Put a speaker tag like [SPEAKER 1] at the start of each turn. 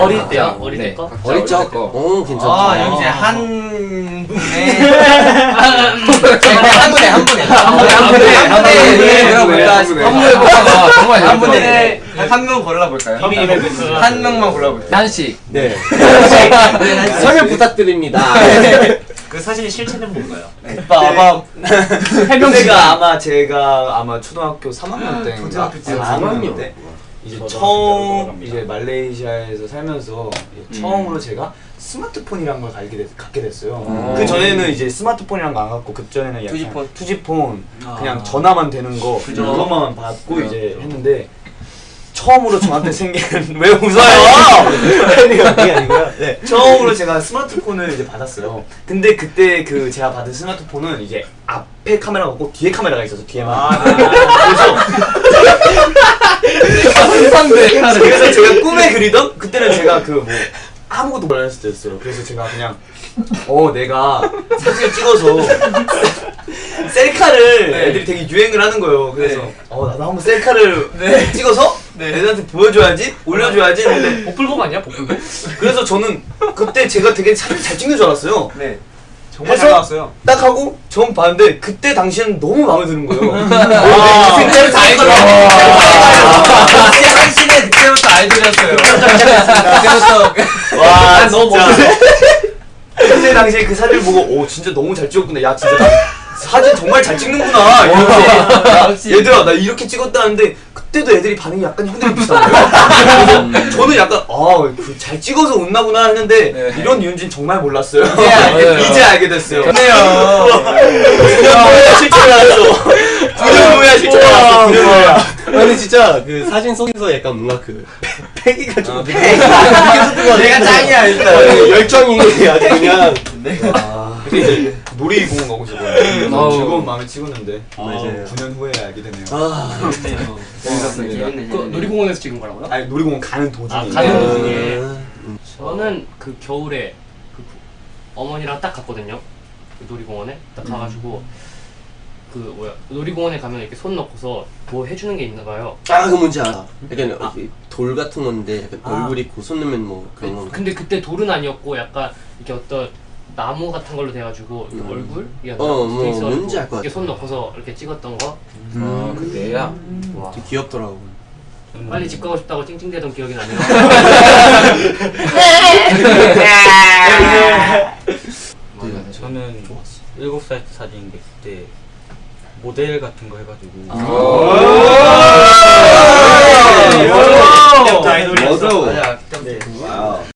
[SPEAKER 1] 어릴 때요? 어릴 때 거?
[SPEAKER 2] 어릴 적? 오, 괜찮다.
[SPEAKER 3] 아, 여기 이제 한 분의 한 분의 한 명 골라볼까요? 한 명만 골라볼게요.
[SPEAKER 2] 한식.
[SPEAKER 4] 네.
[SPEAKER 2] 설명 부탁드립니다.
[SPEAKER 1] 그 사실 실체는 뭔가요?
[SPEAKER 3] 아마 해명제가 제가 아마 초등학교 3학년 때
[SPEAKER 4] 초등학교 때
[SPEAKER 2] 3학년
[SPEAKER 3] 때 이제 처음 이제 말레이시아에서 살면서 처음으로 제가 스마트폰이란 걸 갖게 됐어요. 그 전에는 이제 스마트폰이란 거 안 갖고 그 전에는 약간 투지폰 그냥 전화만 되는 거 그것만 받고 이제 했는데 처음으로 저한테 생긴 왜 웃어요? 그게 아니고요. 네. 처음으로 제가 스마트폰을 이제 받았어요. 근데 그때 그 제가 받은 스마트폰은 이제 앞에 카메라가 없고 뒤에 카메라가 있어서 뒤에만. 그래서 제가 꿈에 그리던 그때는 제가 그 뭐 아무것도 몰랐을 때였어요. 그래서 제가 그냥 내가 사진을 찍어서 셀카를 애들이 되게 유행을 하는 거예요. 그래서 나도 한번 셀카를 찍어서 애들한테 보여줘야지, 올려줘야지 했는데
[SPEAKER 1] 복불복 아니야? 복불복?
[SPEAKER 3] 그래서 저는 그때 제가 되게 사진 잘 찍는 줄 알았어요.
[SPEAKER 4] 네. 정말 잘 나왔어요.
[SPEAKER 3] 딱 하고 처음 봤는데 그때 당시에는 너무 마음에 드는 거예요.
[SPEAKER 1] 그때부터 아이돌이야.
[SPEAKER 4] 한신의 그때부터 아이돌이었어요.
[SPEAKER 3] 그때부터 와
[SPEAKER 1] 너무
[SPEAKER 3] 진짜. 그때 당시에 그 사진을 보고 진짜 너무 잘 찍었구나. 야 진짜 나 사진 정말 잘 찍는구나. 이러면서 얘들아 나 이렇게 찍었다는데 그때도 애들이 반응이 약간 형들이 비슷한 거예요. 그래서 저는 약간 잘 찍어서 웃나구나 했는데 이런 이유인지는 정말 몰랐어요. 이제 알게 됐어요.
[SPEAKER 4] 좋네요.
[SPEAKER 3] 9년 후에 실체를 알았어. 9년 후에 실체를 알았어. 9년 후에.
[SPEAKER 2] 근데 진짜 그 사진 속에서 약간 뭔가 그 패기가 좀
[SPEAKER 3] 내가 짱이야 일단.
[SPEAKER 2] 열정이 아주 그냥
[SPEAKER 3] 근데 놀이공원 가고 싶어요. 너무 즐거운 마음에 찍었는데
[SPEAKER 4] 맞아요.
[SPEAKER 3] 9년 후에 알게 되네요.
[SPEAKER 4] 재밌었습니다.
[SPEAKER 1] 그 놀이공원에서 찍은 거라고요?
[SPEAKER 3] 아니 놀이공원 가는 도중에.
[SPEAKER 1] 가는 도중에. 저는 그 겨울에 그 어머니랑 딱 갔거든요. 그 놀이공원에 딱 가가지고 놀이공원에 가면 이렇게 손 넣고서 뭐 해주는 게 있나 봐요.
[SPEAKER 2] 그 뭔지 알아. 약간 돌 같은 건데 약간 얼굴 있고 손 넣으면 뭐 그런 거.
[SPEAKER 1] 근데 그때 돌은 아니었고 약간 이렇게 어떤 나무 같은 걸로 돼가지고 이렇게 얼굴
[SPEAKER 2] 뭔지 알 것 같아.
[SPEAKER 1] 이렇게 손 넣고서 이렇게 찍었던 거.
[SPEAKER 4] 그때야.
[SPEAKER 1] 와.
[SPEAKER 2] 되게 귀엽더라고.
[SPEAKER 1] 빨리 집 가고 싶다고 찡찡대던 기억이 나네요.
[SPEAKER 5] 저는 7살 때 사진인데 그때 모델 같은 거 해가지고
[SPEAKER 3] 아이돌이었어.
[SPEAKER 4] 맞아.
[SPEAKER 3] 와우.